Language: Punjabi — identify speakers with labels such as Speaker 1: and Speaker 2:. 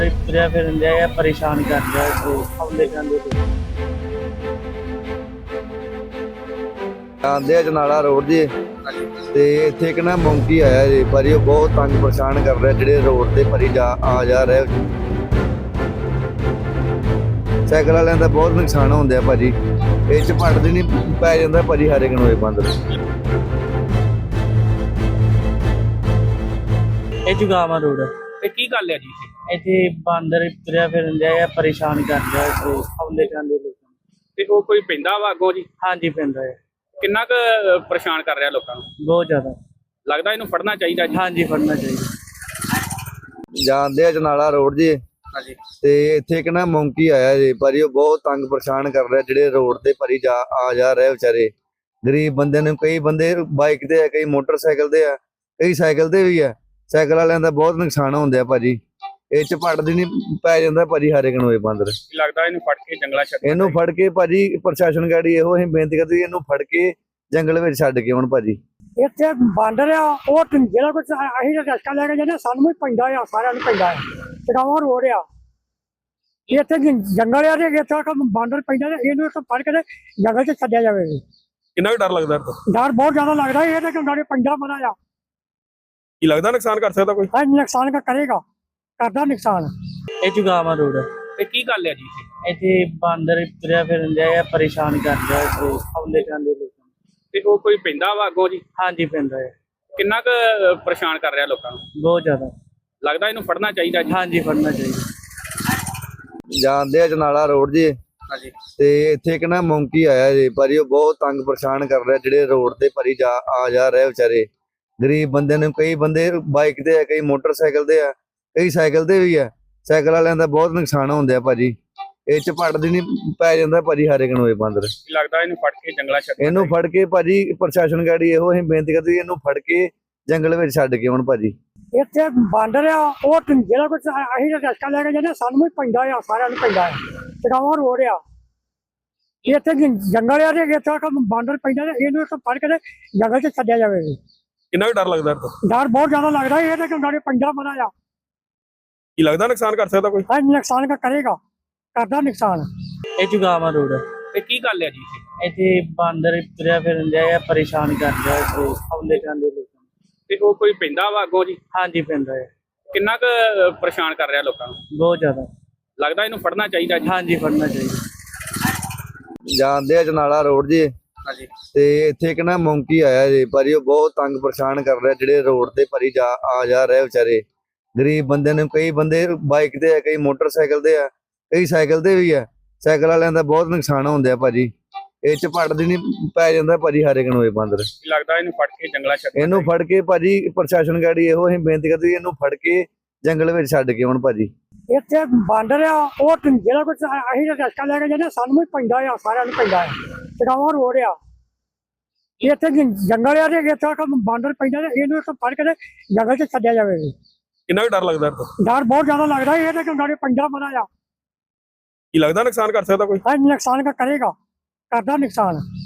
Speaker 1: ਬਾਂਦਰ ਤੁਰਿਆ ਫਿਰਨ ਡਿਆ ਆ, ਪਰੇਸ਼ਾਨ ਕਰ ਰਿਹਾ ਤੇ ਆਉਂਦੇ ਜਾਂਦੇ ਤੇ
Speaker 2: ਆਂਦੇ ਜਨਾਲਾ ਰੋਡ ਜੀ ਤੇ ਇੱਥੇ ਇੱਕ ਨਾ ਮੌਂਕੀ ਆਇਆ ਜੀ, ਪਰ ਇਹ ਬਹੁਤ ਤੰਗ ਪਰੇਸ਼ਾਨ ਕਰ ਰਿਹਾ ਜਿਹੜੇ ਰੋਡ ਤੇ ਭਰੀ ਆ ਜਾ ਰਹੇ। ਸਾਈਕਲ ਵਾਲਿਆਂ ਦਾ ਬਹੁਤ ਨੁਕਸਾਨ ਹੁੰਦਾ ਭਾਜੀ, ਇਹ ਚ ਪੜਦੀ ਨਹੀਂ ਪੈ ਜਾਂਦਾ ਭਾਜੀ ਹਰ ਇੱਕ ਨੂੰ ਇਹ ਬਾਂਦਰ।
Speaker 1: ਇਹ ਜੁਗਾਵਾ ਰੋਡ ਆ।
Speaker 3: ਤੇ ਕੀ ਗੱਲ ਹੈ ਜੀ
Speaker 1: ਇੱਥੇ ਬਾਂਦਰ ਤੁਰਿਆ ਫਿਰਨ ਡਿਆ ਆ, ਪਰੇਸ਼ਾਨ ਕਰ ਰਿਹਾ ਤੇ ਆਉਂਦੇ ਜਾਂਦੇ ਲੋਕਾਂ ਨੂੰ।
Speaker 3: ਤੇ ਉਹ ਕੋਈ ਪੈਂਦਾ ਵਾ ਅੱਗੋਂ ਜੀ?
Speaker 1: ਹਾਂਜੀ ਪੈਂਦਾ ਹੈ,
Speaker 3: ਕਿੰਨਾ ਕੁ ਪਰੇਸ਼ਾਨ ਕਰ ਰਿਹਾ ਲੋਕਾਂ ਨੂੰ?
Speaker 1: ਬਹੁਤ ਜ਼ਿਆਦਾ।
Speaker 3: ਲੱਗਦਾ ਇਹਨੂੰ ਫੜਨਾ ਚਾਹੀਦਾ ਜੀ।
Speaker 1: ਹਾਂਜੀ ਫੜਨਾ ਚਾਹੀਦਾ।
Speaker 2: ਜਾਂਦੇ ਜਨਾਲਾ ਰੋਡ ਜੀ
Speaker 3: ਹਾਂਜੀ
Speaker 2: ਤੇ ਇੱਥੇ ਇੱਕ ਨਾ ਮੌਂਕੀ ਆਇਆ ਜੀ, ਪਰ ਇਹ ਬਹੁਤ ਤੰਗ ਪਰੇਸ਼ਾਨ ਕਰ ਰਿਹਾ ਜਿਹੜੇ ਰੋਡ ਤੇ ਭਰੀ ਆ ਜਾ ਰਹੇ ਵਿਚਾਰੇ ਗਰੀਬ ਬੰਦੇ ਨੂੰ। ਕਈ ਬੰਦੇ ਬਾਈਕ ਤੇ ਆ, ਕਈ ਮੋਟਰਸਾਈਕਲ ਤੇ ਆ, ਕਈ ਸਾਈਕਲ ਤੇ ਵੀ ਆ। ਸਾਈਕਲ ਵਾਲਿਆਂ ਦਾ ਬਹੁਤ ਨੁਕਸਾਨ ਹੁੰਦਾ ਭਾਜੀ, ਇਹ ਚ ਪੜਦੀ ਨਹੀਂ ਪੈ ਜਾਂਦਾ ਭਾਜੀ ਹਰ ਇੱਕ ਨੂੰ ਇਹ ਬਾਂਦਰ।
Speaker 3: ਲੱਗਦਾ ਇਹਨੂੰ ਫੜ ਕੇ ਜੰਗਲਾਂ ਛੱਡ
Speaker 2: ਇਹਨੂੰ ਫੜ ਕੇ ਭਾਜੀ ਪ੍ਰਸ਼ਾਸਨ ਗਾੜੀ ਇਹੋ ਅਸੀਂ ਬੇਨਤੀ ਕਰਦੇ ਇਹਨੂੰ ਫੜ ਕੇ ਜੰਗਲ ਵਿੱਚ ਛੱਡ ਕੇ ਹੁਣ ਭਾਜੀ।
Speaker 4: ਇੱਥੇ ਬਾਂਦਰ ਆ, ਉਹ ਜਿਹੜਾ ਕੁਝ ਅਸੀਂ ਰਸਕਾ ਲੈ ਕੇ ਜਾਂਦੇ ਸਾਨੂੰ ਵੀ ਪੈਂਦਾ ਆ, ਸਾਰਿਆਂ ਨੂੰ ਪੈਂਦਾ ਆ। ਚੜਾਵਾ ਰੋਡ ਆ, ਇੱਥੇ ਜੰਗਲ ਆ ਤੇ ਇੱਥੇ ਬਾਂਦਰ ਪੈਂਦਾ ਤੇ ਇਹਨੂੰ ਇੱਥੇ ਫੜ ਕੇ ਤੇ ਜੰਗਲ 'ਚ ਛੱਡਿਆ ਜਾਵੇ।
Speaker 3: ਕਿੰਨਾ ਕੁ ਡਰ ਲੱਗਦਾ?
Speaker 4: ਡਰ ਬਹੁਤ ਜ਼ਿਆਦਾ ਲੱਗਦਾ, ਇਹ ਤਾਂ ਗਾੜੀ ਪੈਂਦਾ ਬੜਾ ਆ।
Speaker 3: ਕੀ ਲੱਗਦਾ ਨੁਕਸਾਨ ਕਰ ਸਕਦਾ ਕੋਈ?
Speaker 4: ਨੁਕਸਾਨ ਕਰੇਗਾ, ਕਰਦਾ ਨੁਕਸਾਨ।
Speaker 1: ਇਹ ਜੁਗਾਵਾ ਰੋਡ ਆ।
Speaker 3: ਤੇ ਕੀ ਗੱਲ ਹੈ ਜੀ
Speaker 1: ਇੱਥੇ ਬਾਂਦਰ ਤੁਰਿਆ ਫਿਰਨ ਡਿਆ ਆ, ਪਰੇਸ਼ਾਨ ਕਰ ਰਿਹਾ ਤੇ ਆਉਂਦੇ ਜਾਂਦੇ ਲੋਕਾਂ ਨੂੰ।
Speaker 3: ਤੇ ਉਹ ਕੋਈ ਪੈਂਦਾ ਵਾ ਅੱਗੋਂ ਜੀ?
Speaker 1: ਹਾਂਜੀ ਪੈਂਦਾ ਹੈ,
Speaker 3: ਕਿੰਨਾ ਕੁ ਪਰੇਸ਼ਾਨ ਕਰ ਰਿਹਾ ਲੋਕਾਂ ਨੂੰ?
Speaker 1: ਬਹੁਤ ਜ਼ਿਆਦਾ।
Speaker 3: ਲੱਗਦਾ ਇਹਨੂੰ ਫੜਨਾ ਚਾਹੀਦਾ ਜੀ।
Speaker 1: ਹਾਂਜੀ ਫੜਨਾ ਚਾਹੀਦਾ।
Speaker 2: ਜਾਂਦੇ ਜਨਾਲਾ ਰੋਡ ਜੀ
Speaker 3: ਹਾਂਜੀ
Speaker 2: ਤੇ ਇੱਥੇ ਇੱਕ ਨਾ ਮੌਂਕੀ ਆਇਆ ਜੀ, ਪਰ ਇਹ ਬਹੁਤ ਤੰਗ ਪਰੇਸ਼ਾਨ ਕਰ ਰਿਹਾ ਜਿਹੜੇ ਰੋਡ ਤੇ ਭਰੀ ਆ ਜਾ ਰਹੇ ਵਿਚਾਰੇ ਗਰੀਬ ਬੰਦੇ ਨੂੰ। ਕਈ ਬੰਦੇ ਬਾਈਕ ਤੇ ਆ, ਕਈ ਮੋਟਰਸਾਈਕਲ ਤੇ ਆ, ਕਈ ਸਾਈਕਲ ਤੇ ਵੀ ਆ। ਸਾਈਕਲ ਵਾਲਿਆਂ ਦਾ ਬਹੁਤ ਨੁਕਸਾਨ ਹੁੰਦਾ ਭਾਜੀ, ਇਹ ਚ ਪੜਦੀ ਨਹੀਂ ਪੈ ਜਾਂਦਾ ਭਾਜੀ ਹਰ ਇੱਕ ਨੂੰ ਇਹ ਬਾਂਦਰ।
Speaker 3: ਲੱਗਦਾ ਇਹਨੂੰ ਫੜ ਕੇ ਜੰਗਲਾਂ ਛੱਡ
Speaker 2: ਇਹਨੂੰ ਫੜ ਕੇ ਭਾਜੀ ਪ੍ਰਸ਼ਾਸਨ ਗਾੜੀ ਇਹੋ ਅਸੀਂ ਬੇਨਤੀ ਕਰਦੇ ਇਹਨੂੰ ਫੜ ਕੇ ਜੰਗਲ ਵਿੱਚ ਛੱਡ ਕੇ ਹੁਣ ਭਾਜੀ।
Speaker 4: ਇੱਥੇ ਬਾਂਦਰ ਆ, ਉਹ ਜਿਹੜਾ ਕੁਝ ਅਸੀਂ ਰਸਕਾ ਲੈ ਕੇ ਜਾਂਦੇ ਸਾਨੂੰ ਵੀ ਪੈਂਦਾ ਆ, ਸਾਰਿਆਂ ਨੂੰ ਪੈਂਦਾ ਆ। ਚੜਾਵਾ ਰੋਡ ਆ, ਇੱਥੇ ਜੰਗਲ ਆ ਤੇ ਇੱਥੇ ਬਾਂਦਰ ਪੈਂਦਾ ਤੇ ਇਹਨੂੰ ਇੱਥੇ ਫੜ ਕੇ ਤੇ ਜੰਗਲ 'ਚ ਛੱਡਿਆ ਜਾਵੇ।
Speaker 3: ਕਿੰਨਾ ਕੁ ਡਰ ਲੱਗਦਾ?
Speaker 4: ਡਰ ਬਹੁਤ ਜ਼ਿਆਦਾ ਲੱਗਦਾ, ਇਹ ਤਾਂ ਗਾੜੀ ਪੈਂਦਾ ਬੜਾ ਆ।
Speaker 3: ਕੀ ਲੱਗਦਾ ਨੁਕਸਾਨ ਕਰ ਸਕਦਾ ਕੋਈ?
Speaker 4: ਨੁਕਸਾਨ ਕਰੇਗਾ, ਕਰਦਾ ਨੁਕਸਾਨ।
Speaker 1: ਇਹ ਜੁਗਾਵਾ ਰੋਡ ਆ।
Speaker 3: ਤੇ ਕੀ ਗੱਲ ਹੈ ਜੀ
Speaker 1: ਇੱਥੇ ਬਾਂਦਰ ਤੁਰਿਆ ਫਿਰਨ ਡਿਆ ਆ, ਪਰੇਸ਼ਾਨ ਕਰ ਰਿਹਾ ਤੇ ਆਉਂਦੇ ਜਾਂਦੇ ਲੋਕਾਂ ਨੂੰ।
Speaker 3: ਤੇ ਉਹ ਕੋਈ ਪੈਂਦਾ ਵਾ ਅੱਗੋਂ ਜੀ?
Speaker 1: ਹਾਂਜੀ ਪੈਂਦਾ ਹੈ,
Speaker 3: ਕਿੰਨਾ ਕੁ ਪਰੇਸ਼ਾਨ ਕਰ ਰਿਹਾ ਲੋਕਾਂ ਨੂੰ?
Speaker 1: ਬਹੁਤ ਜ਼ਿਆਦਾ।
Speaker 3: ਲੱਗਦਾ ਇਹਨੂੰ ਫੜਨਾ ਚਾਹੀਦਾ ਜੀ।
Speaker 1: ਹਾਂਜੀ ਫੜਨਾ ਚਾਹੀਦਾ।
Speaker 2: ਜਾਂਦੇ ਜਨਾਲਾ ਰੋਡ ਜੀ
Speaker 3: ਹਾਂਜੀ
Speaker 2: ਤੇ ਇੱਥੇ ਇੱਕ ਨਾ ਮੌਂਕੀ ਆਇਆ ਜੀ, ਪਰ ਇਹ ਬਹੁਤ ਤੰਗ ਪਰੇਸ਼ਾਨ ਕਰ ਰਿਹਾ ਜਿਹੜੇ ਰੋਡ ਤੇ ਭਰੀ ਆ ਜਾ ਰਹੇ ਵਿਚਾਰੇ ਗਰੀਬ ਬੰਦੇ ਨੂੰ। ਕਈ ਬੰਦੇ ਬਾਈਕ ਤੇ ਆ, ਕਈ ਮੋਟਰਸਾਈਕਲ ਤੇ ਆ, ਕਈ ਸਾਈਕਲ ਤੇ ਵੀ ਆ। ਸਾਈਕਲ ਵਾਲਿਆਂ ਦਾ ਬਹੁਤ ਨੁਕਸਾਨ ਹੁੰਦਾ ਭਾਜੀ, ਇਹ ਚ ਪੜਦੀ ਨਹੀਂ ਪੈ ਜਾਂਦਾ ਭਾਜੀ ਹਰ ਇੱਕ ਨੂੰ ਇਹ ਬਾਂਦਰ।
Speaker 3: ਲੱਗਦਾ ਇਹਨੂੰ ਫੜ ਕੇ ਜੰਗਲਾਂ ਛੱਡ
Speaker 2: ਇਹਨੂੰ ਫੜ ਕੇ ਭਾਜੀ ਪ੍ਰਸ਼ਾਸਨ ਗਾੜੀ ਇਹੋ ਅਸੀਂ ਬੇਨਤੀ ਕਰਦੇ ਇਹਨੂੰ ਫੜ ਕੇ ਜੰਗਲ ਵਿੱਚ ਛੱਡ ਕੇ ਹੁਣ ਭਾਜੀ।
Speaker 4: ਇੱਥੇ ਬਾਂਦਰ ਆ, ਉਹ ਜਿਹੜਾ ਕੁਝ ਅਸੀਂ ਰਸਕਾ ਲੈ ਕੇ ਜਾਂਦੇ ਸਾਨੂੰ ਵੀ ਪੈਂਦਾ ਆ, ਸਾਰਿਆਂ ਨੂੰ ਪੈਂਦਾ ਆ। ਚੜਾਵਾ ਰੋਡ ਆ, ਇੱਥੇ ਜੰਗਲ ਆ ਤੇ ਇੱਥੇ ਬਾਂਦਰ ਪੈਂਦਾ ਤੇ ਇਹਨੂੰ ਇੱਥੇ ਫੜ ਕੇ ਤੇ ਜੰਗਲ 'ਚ ਛੱਡਿਆ ਜਾਵੇ।
Speaker 3: ਕਿੰਨਾ ਕੁ ਡਰ ਲੱਗਦਾ?
Speaker 4: ਡਰ ਬਹੁਤ ਜ਼ਿਆਦਾ ਲੱਗਦਾ, ਇਹ ਤਾਂ ਗਾੜੀ ਪੈਂਦਾ ਬੜਾ ਆ।
Speaker 3: ਕੀ ਲੱਗਦਾ ਨੁਕਸਾਨ ਕਰ ਸਕਦਾ ਕੋਈ?
Speaker 4: ਨੁਕਸਾਨ ਕਰੇਗਾ, ਕਰਦਾ ਨੁਕਸਾਨ।